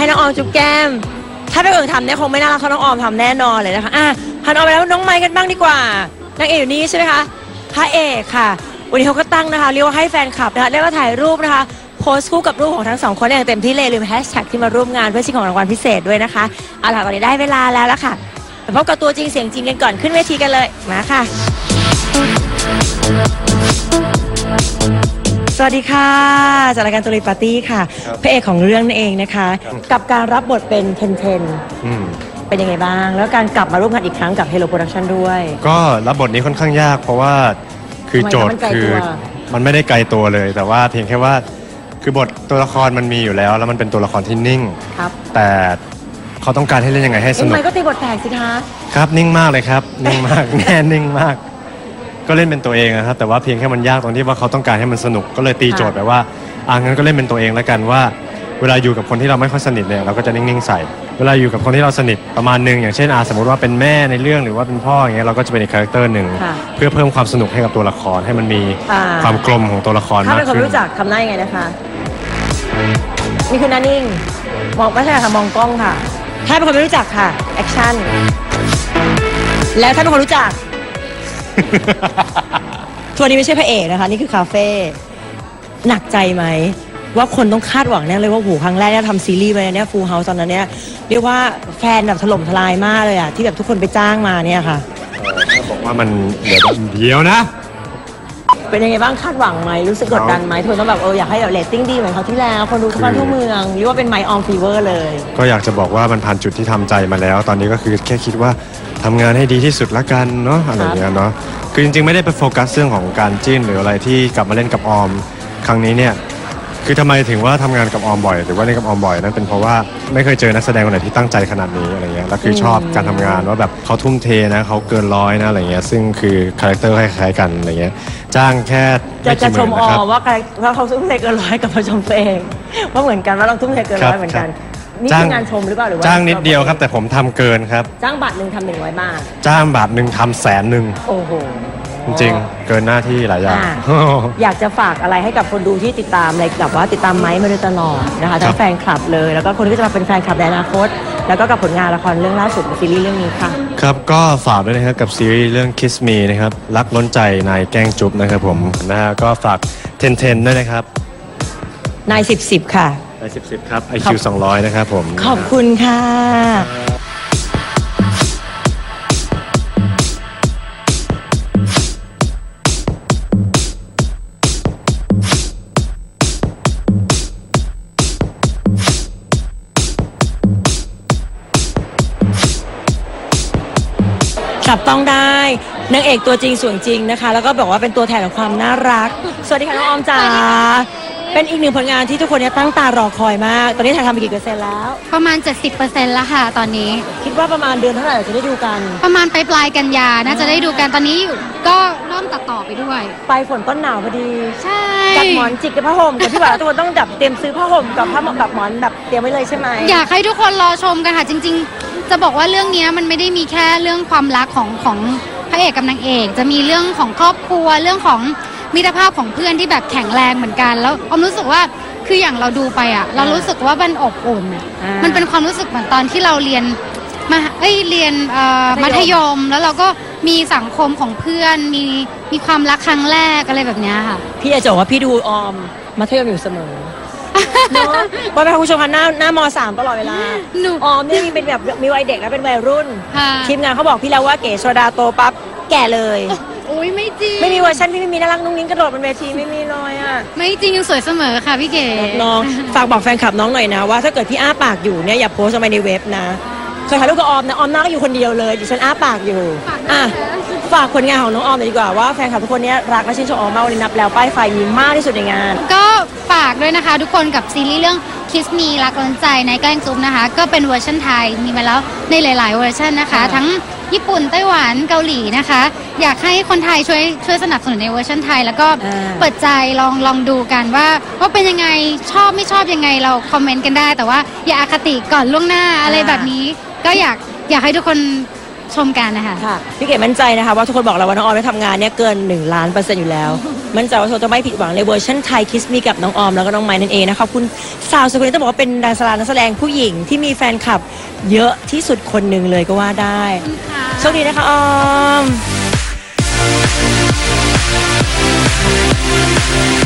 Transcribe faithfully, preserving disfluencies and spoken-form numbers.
น้องออมจุ๊บแก้มถ้าเป็นคนทำเนี่ยคงไม่น่ารักเท่าน้องออมทำแน่นอนเลยนะคะอ่ะหันออกไปแล้วน้องไมค์กันบ้างดีกว่านางเอกอยู่นี่ใช่ไหมคะพระเอกค่ะวันนี้เขาก็ตั้งนะคะเรียกว่าให้แฟนคลับนะคะเรียกว่าถ่ายรูปนะคะโพสต์คู่กับรูปของทั้งสองคนอย่างเต็มที่เลยลืมแฮชแท็กที่มาร่วมงานเพื่อชิงของรางวัลพิเศษด้วยนะคะเอาล่ะตอนนี้ได้เวลาแล้วละค่ะไปพบกับตัวจริงเสียงจริงกันก่อนขึ้นเวทีกันเลยมาค่ะสวัสดีค่ะจากรายการตุลีปาร์ตี้ค่ะพระเอกของเรื่องนั่นเองนะคะกับการรับบทเป็นเทนเทนเป็นยังไงบ้างแล้วการกลับมาร่วมงานอีกครั้งกับ Hello Production ด้วยก็รับบทนี้ค่อนข้างยากเพราะว่าคือโจทย์คือมันไม่ได้ไกลตัวเลยแต่ว่าเพียงแค่ว่าคือบทตัวละครมันมีอยู่แล้วแล้วมันเป็นตัวละครที่นิ่งครับแต่เขาต้องการให้เล่นยังไงให้สนุกทำไมก็ตีบทแตกสิคะครับนิ่งมากเลยครับนิ่งมากแน่นิ่งมากก็เล่นเป็นตัวเองนะครับแต่ว่าเพียงแค่มันยากตรงที่ว่าเขาต้องการให้มันสนุกก็เลยตีโจทย์ไปว่าอ่างั้นก็เล่นเป็นตัวเองแล้วกันว่าเวลาอยู่กับคนที่เราไม่ค่อยสนิทเนี่ยเราก็จะนิ่งๆใส่เวลาอยู่กับคนที่เราสนิทประมาณนึงอย่างเช่นอาสมมติว่าเป็นแม่ในเรื่องหรือว่าเป็นพ่ออย่างเงี้ยเราก็จะเป็นอีกคาแรคเตอร์หนึ่งเพื่อเพิ่มความสนุกให้กับตัวละครให้มันมีความกลมของตัวละครมากขึ้นถ้าเป็นคนรู้จักทำได้ยังไงนะคะนี่คือหน้านิ่งมองไม่ใช่ค่ะมองกล้องค่ะถ้าเป็นคนไม่รู้จักค่ะแอคชั่นแล้วถ้าเป็นคนรู้จักทัวร์นี้ไม่ใช่พระเอกนะคะนี่คือคาเฟ่หนักใจไหมว่าคนต้องคาดหวังแน่เลยว่าโหครั้งแรกเนี่ยทำซีรีส์ไปเนี่ยฟูลเฮาส์ตอนนั้นเนี่ยเรียกว่าแฟนแบบถล่มทลายมากเลยอะที่แบบทุกคนไปจ้างมาเนี่ยค่ะถ้าบอกว่ามันเดี๋ยวเดียวนะเป็นยังไงบ้างคาดหวังไหมรู้สึกกดดันไหมทุกคนต้องแบบเอออยากให้แบบเรตติ้งดีเหมือนเขาที่แล้วคนดูทั่วบ้านทั่วเมืองเรียกว่าเป็นไมค์ออมฟีเวอร์เลยก็อยากจะบอกว่ามันผ่านจุดที่ทำใจมาแล้วตอนนี้ก็คือแค่คิดว่าทำงานให้ดีที่สุดละกันเนาะอะไรอย่างเงี้ยเนาะคือจริงๆไม่ได้ไปโฟกัสเรื่องของการจิ้นหรืออะไรที่กลับมาเล่นกับออมครั้งนี้เนี่ยคือทำไมถึงว่าทำงานกับออมบ่อยหรือว่าเล่นกับออมบ่อยนั่นเป็นเพราะว่าไม่เคยเจอนักแสดงคนไหนที่ตั้งใจขนาดนี้อะไรเงี้ยแล้วคือชอบการทำงานว่าแบบเขาทุ่มเทนะเขาเกินร้อยนะอะไรเงี้ยซึ่งคือคาแรคเตอร์คล้ายๆกันอะไรเงี้ยจ้างแค่จะจะชมออมว่าว่าเขาทุ่มเทเกินร้อยกับมาชมตัวเองว่าเหมือนกันว่าเราทุ่มเทเกินร้อยเหมือนกันนี่คืองานชมหรือเปล่าหรือว่าจ้างนิดเดียวครับแต่ผมทำเกินครับจ้างบาทหนึ่งทำหนึ่งร้อยบาทจ้างบาทหนึ่งทำแสนหนึ่งโอ้โหจริงๆเกินหน้าที่หลายอย่างอยากจะฝากอะไรให้กับคนดูที่ติดตามอะไรกับว่าติดตามไม้มาโดยตลอดนะคะทั้งแฟนคลับเลยแล้วก็คนที่จะมาเป็นแฟนคลับในอนาคตแล้วก็กับผลงานละครเรื่องล่าสุดซีรีส์เรื่องนี้ค่ะครับก็ฝากด้วยนะครับกับซีรีส์เรื่อง Kiss Me นะครับรักล้นใจนายแกล้งจุ๊บนะครับผมนะฮะก็ฝากเทนเทนด้วยนะครับนายสิบสิบค่ะนายสิบสิบครับ ไอ คิว สองร้อยนะครับผมขอบคุณค่ะจับต้องได้นางเอกตัวจริงส่วนจริงนะคะแล้วก็บอกว่าเป็นตัวแทนของความน่ารักสวัสดีค่ะน้องออมจ๋าเป็นอีกหนึ่งผลงานที่ทุกคนเนี่ยตั้งตารอคอยมากตอนนี้ถ่ายทำไปกี่เปอร์เซ็นต์แล้วประมาณ เจ็ดสิบเปอร์เซ็นต์ แล้วค่ะตอนนี้คิดว่าประมาณเดือนเท่าไหร่จะได้ดูกันประมาณปลายปลายกันยาน่าจะได้ดูกันตอนนี้ก็เริ่มตัดต่อไปด้วยปลายฝนต้นหนาวพอดีใช่จัดหมอนจิกกับผ้าห่มกับที่ว่าทุกคนต้องแบบเตรียมซื้อผ้าห่มกับผ้าแบบหมอนแบบเตรียมไว้เลยใช่ไหมอยากให้ทุกคนรอชมกันค่ะจริงๆจะบอกว่าเรื่องนี้มันไม่ได้มีแค่เรื่องความรักของของพระเอกกับนางเอกจะมีเรื่องของครอบครัวเรื่องของมิตรภาพของเพื่อนที่แบบแข็งแรงเหมือนกันแล้วออมรู้สึกว่าคืออย่างเราดูไปอ่ะเรารู้สึกว่ามันอบอุ่นอ่ะมันเป็นความรู้สึกเหมือนตอนที่เราเรียนมาเอ้ยเรียนมัธยมแล้วเราก็มีสังคมของเพื่อนมีมีความรักครั้งแรกอะไรแบบนี้ค่ะพี่จะบอกว่าพี่ดูออมมัธยมอยู่เสมอเนาะว่าเป็นผู้ชมพันหน้าหน้ามสามตลอดเวลาออมนี่มีเป็นแบบมีวัยเด็กแล้วเป็นวัยรุ่นทีมงานเขาบอกพี่แล้วว่าเก๋โซดาโตปั๊บแก่เลยโอ้ยไม่จริงไม่มีเวอร์ชันที่ไม่มีน่ารักนุ่งนิ้งกระโดดบนเวทีไม่มีเลยอ่ะไม่จริงยังสวยเสมอค่ะพี่เก๋น้องฝากบอกแฟนคลับน้องหน่อยนะว่าถ้าเกิดพี่อ้าปากอยู่เนี่ยอย่าโพสต์ลงไปในเว็บนะเคยถ่ายรูปกับออมนะออมนั่งอยู่คนเดียวเลยดิฉันอ้าปากอยู่อ่ะฝากผลงานของน้องออมหน่อยดีกว่าว่าแฟนคลับทุกคนนี้รักและชื่นชมออมมากวันนี้นับแล้วป้ายไฟมีมากที่สุดในงานก็ฝากด้วยนะคะทุกคนกับซีรีส์เรื่อง Kiss Me รักล้นใจนายแกล้งจุ๊บนะคะก็เป็นเวอร์ชันไทยมีมาแล้วในหลายๆเวอร์ชันนะคะทั้งญี่ปุ่นไต้หวันเกาหลีนะคะอยากให้คนไทยช่วยช่วยสนับสนุนในเวอร์ชันไทยแล้วก็เปิดใจลองลองดูกันว่าว่าเป็นยังไงชอบไม่ชอบยังไงเราคอมเมนต์กันได้แต่ว่าอย่าอคติก่อนล่วงหน้าอะไรแบบนี้ก็อยากอยากให้ทุกคนชมกันนะคะค่ะพี่เก๋มั่นใจนะคะว่าทุกคนบอกเราว่าน้องออมได้ทำงานเนี่ยเกินหนึ่งล้านเปอร์เซ็นต์อยู่แล้วมั่นใจว่าโชว์จะไม่ผิดหวังในเวอร์ชันไทยคิสมีกับน้องออมแล้วก็น้องไม้นั่นเองนะคะขอบคุณสาวสวยคนนี้ต้องบอกว่าเป็นดารานักแสดงผู้หญิงที่มีแฟนคลับเยอะที่สุดคนหนึ่งเลยก็ว่าได้โชคดีนะคะออม